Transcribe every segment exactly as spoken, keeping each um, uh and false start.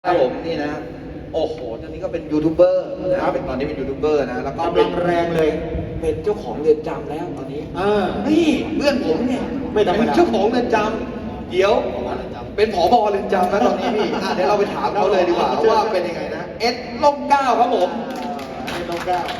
ครับผมนี่นะโอ้โหตอนนี้ก็เป็นยูทูบเบอร์นะเป็นตอนนี้เป็นยูทูบเบอร์นะแล้วก็กำลังแรงเลยเป็นเจ้าของเรือนจำแล้วตอนนี้อ่านี่เพื่อนผมเนี่ยไม่ธรรมดาเป็นเจ้าของเรือนจำเดี๋ยวเป็นผบเรือนจำนะตอนนี้พี่อ่ะเดี๋ยวเราไปถามเขาเลยดีกว่าว่าเป็นยังไงนะเอ็ดล่มเกล้าครับผมให้น้องก้าว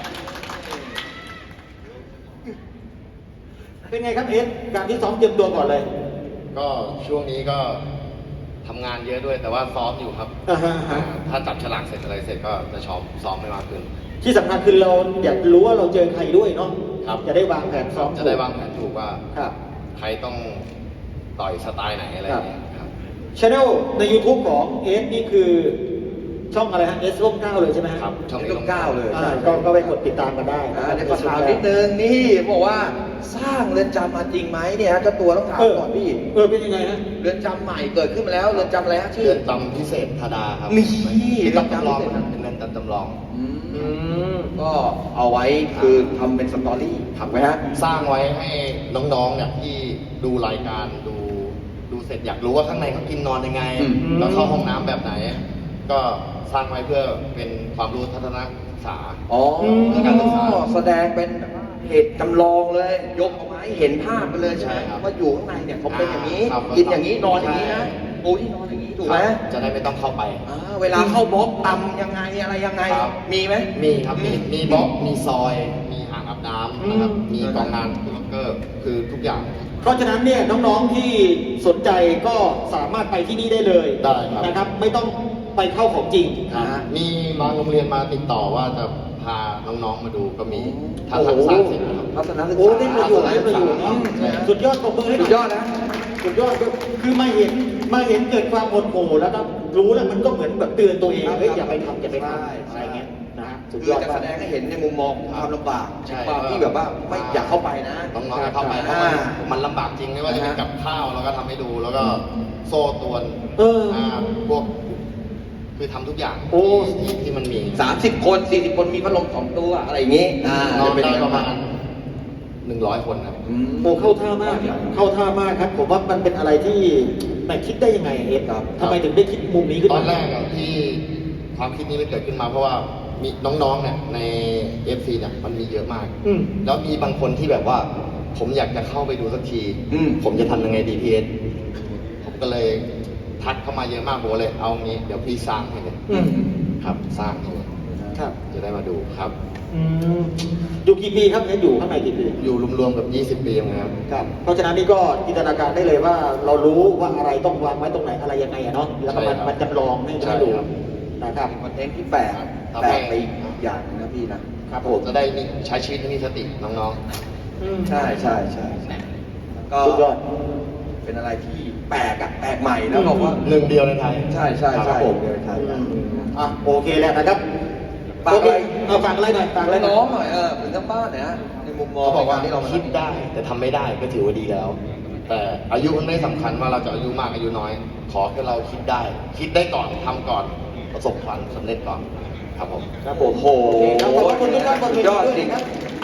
เป็นไงครับเอสการที่ซ้อมเตรียมตัวก่อนเลยก็ช่วงนี้ก็ทำงานเยอะด้วยแต่ว่าซ้อมอยู่ครับอ่าฮะฮะถ้าจับฉลากเสร็จอะไรเสร็จก็จะชอบซ้อมไม่มากขึ้นที่สำคัญคือเราอยากรู้ว่าเราเจอใครด้วยเนาะครับจะได้วางแผนซ้อมจะได้วางแผนถูกว่าครับใครต้องต่อยสไตล์ไหนอะไรอย่างเงี้ยครับช anel ใน YouTube ของเอสนี่คือช่องอะไรฮะเอสร่มเกล้าเลยใช่ไหมฮะครับช่องเอ็ดนี้ล่มเกล้าเลยอ่าก็ก็ไปกดติดตามกันได้อ่าเดี๋ยวขอถามนิดนึงนี่บอกว่าสร้างเรือนจำมาจริงไหมเนี่ยเจ้าตัวต้องถามเออก่อนพี่เออเป็นยังไงฮะเรือนจำใหม่เกิดขึ้นมาแล้วเรือนจำอะไรฮะชื่อเรือนจำพิเศษธาดาครับนี่เรือนจำจำลองเรือนจำพิเศษเป็นเรือนจำจำลองอืมอืมก็เอาไว้คือทำเป็นสตอรี่ทำไว้ฮะสร้างไว้ให้น้องๆเนี่ยที่ดูรายการดูดูเสร็จอยากรู้ว่าข้างในเขากินนอนยังไงอืมแล้วเข้าห้องน้ำแบบไหน ก็สร้างไว้เพื่อเป็นความรู้ทัศนศึกษาอ๋อเรื่องการศึกษาแสดงเป็นเหตุจำลองเลย ยกออกมาให้เห็นภาพไปเลยใช่ไหมใช่ครับว่าอยู่ข้างในเนี่ยเขาเป็นอย่างนี้ครับกินอย่างนี้นอนอย่างนี้ใช่นะปูที่นอนอย่างนี้ถูกไหมจะได้ไม่ต้องเข้าไปอ่าเวลาเข้าบล็อกตำยังไงอะไรยังไงครับมีไหมมีครับ มีมีบล็อก มีซอย มีอ่างอาบน้ำนะครับอืมมีกองงานล็อกเกอร์ คือทุกอย่างเพราะฉะนั้นเนี่ยน้องๆที่สนใจก็สามารถไปที่นี่ได้เลยได้ครับนะครับ ไม่ต้องไปเข้าของจริงอ่ามีบางโรงเรียนมาติดต่อว่าจะพาน้องๆมาดูก็มีถ้าโอ้โหทำสร้างเสร็จนะครับทัศนศึกษาโอ้ได้ประโยชน์ได้ประโยชน์เนาะใช่ครับสุดยอดปรบมือให้หน่สุดยอดนะสุดยอดคือมาเห็นมาเห็นเกิดความโมโหแล้วก็รู้แล้วมันก็เหมือนแบบเตือนตัวเองเฮ้ยอย่าไปทำอย่าไปทำใช่อะไรเงี้ยนะฮะสุดคืยออดจะมาแสกดงให้เห็นในมุมมองของความลำบากใช่ความที่แบบว่าไม่อยากเข้าไปนะน้องๆจะเข้าไปเพอ่าราะมันมันลำบากจริงไม่ว่าจะเป็นกับข้าวเราก็ทำให้ดู แล้วก็โซ่ตรวนเอออ่าพวกคือทำทุกอย่างโอ้ที่ที่ที่มันมีสามสิบคนสี่สิบคนมีพัดลมสองตัวอะไรอย่างงี้อ่านอนจะเป็นได้อย่างปนั้ระนมาณหนึ่งร้อยคนครับอืมโอ้เข้าท่ามากเข้าท่ามากครับ ผมว่ามันเป็นอะไรที่แหม่คิดได้ยังไงเอฟครับทำไมถึงได้คิดมุมนี้ขึ้นตมาอนแรกอะที่ความคิดนี้มันเกิดขึ้นมา เพราะว่ามีน้องๆเนี่ยใน เอฟ ซี เนี่ยมันมีเยอะมากอืมแล้วมีบางคนที่แบบว่า ผมอยากจะเข้าไปดูสักทีอืมผมจะทำยังไงดีพีเอสผมก็เลยทักเข้ามาเยอะมากผมก็เลยเอางี้เดี๋ยวพี่สร้างให้เลยอืมครับ สร้างให้เลยครับจะได้มาดูครับอืมอยู่กี่ปีครับเอฟอยู่ข้างในกี่ปีอยู่รวมๆกับยี่สิบปีนะครับครับ เพราะฉะนั้นนี่ก็จินตนาการได้เลยว่าเรารู้ว่าอะไรต้องวางไว้ตรงไหนอะไรยังไงอะเนาะแล้วก็มันใช่ครับมันจำลองให้ใช่ให้ดูครับนะครับเป็นคอนเทนต์ที่แปลกครับแปลกไปอีกอย่างหนึงนะพี่นะครับผมจะได้มีใช้ชีวิตให้มีสติน้องอืมใช่ใช่ใช่ก็สุดยอดเป็นอะไรที่แปลกอะแปลกใหม่นะบอกว่าๆหนึ่งเดียวในไทยใช่ใช่ครัใช่บผมเดี๋ยวไทยนะอ่ะโอเคแล้วนะครับฝากอะไรโเคเอาฝากอะไรหน่อยฝากอะไรแล้วหน่อยน้องหน่อยเออถึงทั้งบ้านเนี่ยนะในมุมมองเขาบอกว่าในรที่เรามาคิดได้แต่ทำไม่ได้ก็ถือว่าดีแล้ว แต่อายุมันไม่สำคัญว่าเราจะอายุมากอายุน้อย ขอแค่เราคิดได้ คิดได้ก่อนทำก่อนประสบความสำเร็จก่อนครับผมครับผมโอ้โหโอเคครับขอบคุณทุกท่านบนเวสุดทียอดด้วยจริงนะครับ